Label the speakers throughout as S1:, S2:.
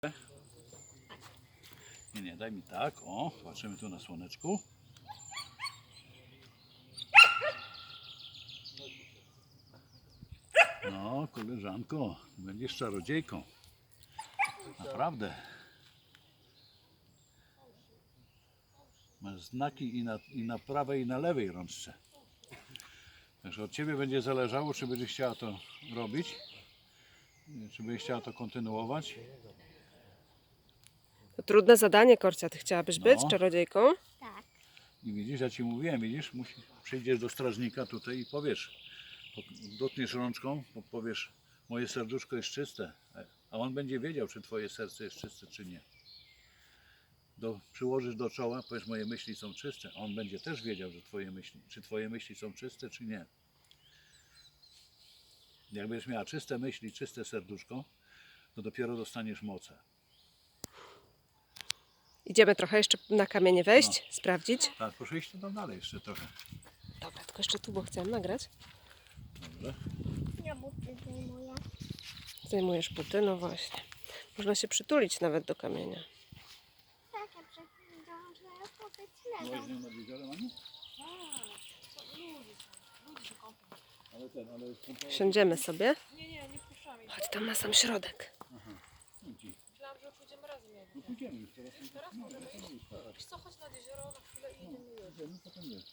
S1: Nie, daj mi tak. O, patrzymy tu na słoneczku. No, koleżanko, będziesz czarodziejką. Naprawdę. Masz znaki i na prawej, i na lewej rączce. Także od ciebie będzie zależało, czy będziesz chciała to robić, czy będziesz chciała to kontynuować.
S2: To trudne zadanie, Korcia. Ty chciałabyś być
S1: No.
S2: czarodziejką?
S3: Tak.
S1: I widzisz, ja ci mówiłem, widzisz, przyjdziesz do strażnika tutaj i powiesz, dotkniesz rączką, powiesz, moje serduszko jest czyste, a on będzie wiedział, czy twoje serce jest czyste, czy nie. Przyłożysz do czoła, powiesz, moje myśli są czyste, a on będzie też wiedział, że czy twoje myśli są czyste, czy nie. Jak będziesz miała czyste myśli, czyste serduszko, to dopiero dostaniesz moce.
S2: Idziemy trochę jeszcze na kamienie wejść, sprawdzić.
S1: Tak, proszę iść tam dalej jeszcze trochę.
S2: Dobra, tylko jeszcze tu, bo chcę nagrać.
S1: Dobrze.
S3: Ja buty zdejmuję.
S2: Zdejmujesz buty, no właśnie. Można się przytulić nawet do kamienia.
S3: Tak, ja przeglądam, że powiedz
S1: Byłaś z
S3: leżą.
S1: nią nad jeziorem, Aniu? Ale
S2: Siądziemy sobie.
S4: Nie puszczamy.
S2: Chodź tam na sam środek.
S4: Myślałam, że pójdziemy razem.
S1: No pójdziemy już teraz.
S4: Teraz możemy iść. Wiesz co, chodź nad jezioro na chwilę i idziemy już.
S1: Idziemy, potem wiesz.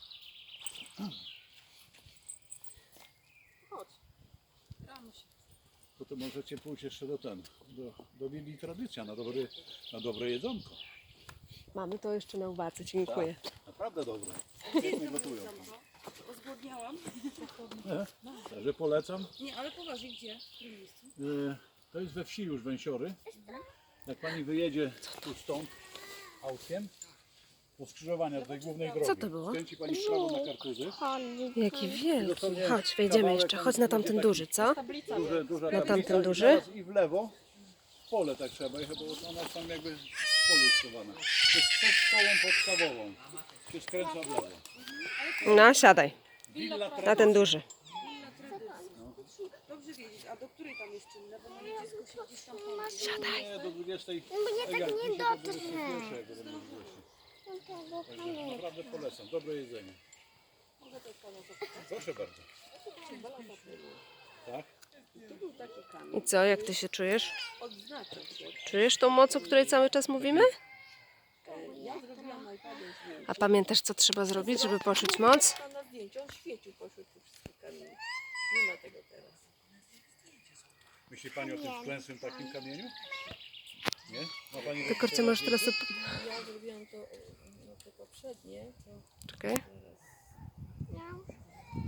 S4: Chodź. Rano się.
S1: Potem możecie pójść jeszcze do Willi Tradycja na dobre jedzonko.
S2: Mamy to jeszcze na uwadze, dziękuję.
S1: Naprawdę dobre. Świetnie gotują.
S4: Zgłodniałam.
S1: Także polecam.
S4: Nie, ale poważnie, gdzie? W którym miejscu?
S1: To jest we wsi już Węsiory. Jak pani wyjedzie tu stąd autkiem, po skrzyżowaniu tej głównej drogi.
S2: Co to było?
S1: Skręci pani w prawo na Kartuzy.
S2: Jaki wielki. Chodź, wejdziemy jeszcze. Chodź na tamten duży, co?
S4: Tablica.
S1: Duża
S2: Na
S1: tablica
S2: tamten
S1: i
S2: duży?
S1: zaraz I w lewo. W pole tak trzeba jechać, bo ona jest tam jakby w polu schowana. To jest przed szkołą podstawową. Się skręca w lewo.
S2: No, siadaj.
S1: Willa
S2: Na
S1: Tradycja.
S2: ten duży.
S4: Dobrze wiedzieć, a do której tam jest czynne, bo moje dziecko się gdzieś tam
S1: Nie, do 20.
S3: No bo ja tak nie dotrę.
S1: Także naprawdę polecam. Dobre jedzenie. Proszę bardzo. Tak?
S2: I co, jak ty się czujesz?
S4: odznaczać się.
S2: Czujesz tą moc, o której cały czas mówimy?
S4: Ja zrobiłam na iPadzie zdjęcie.
S2: A pamiętasz, co trzeba zrobić, żeby poczuć moc?
S4: Tam na zdjęciu on świecił pośród tych wszystkich kamieni. Nie ma tego teraz.
S1: Myśli pani o tym wklęsłym takim kamieniu? Nie? Ma pani
S2: Ty, Korcia, możesz teraz...
S4: Ja zrobiłam to, no, to poprzednie, to
S2: Czekaj.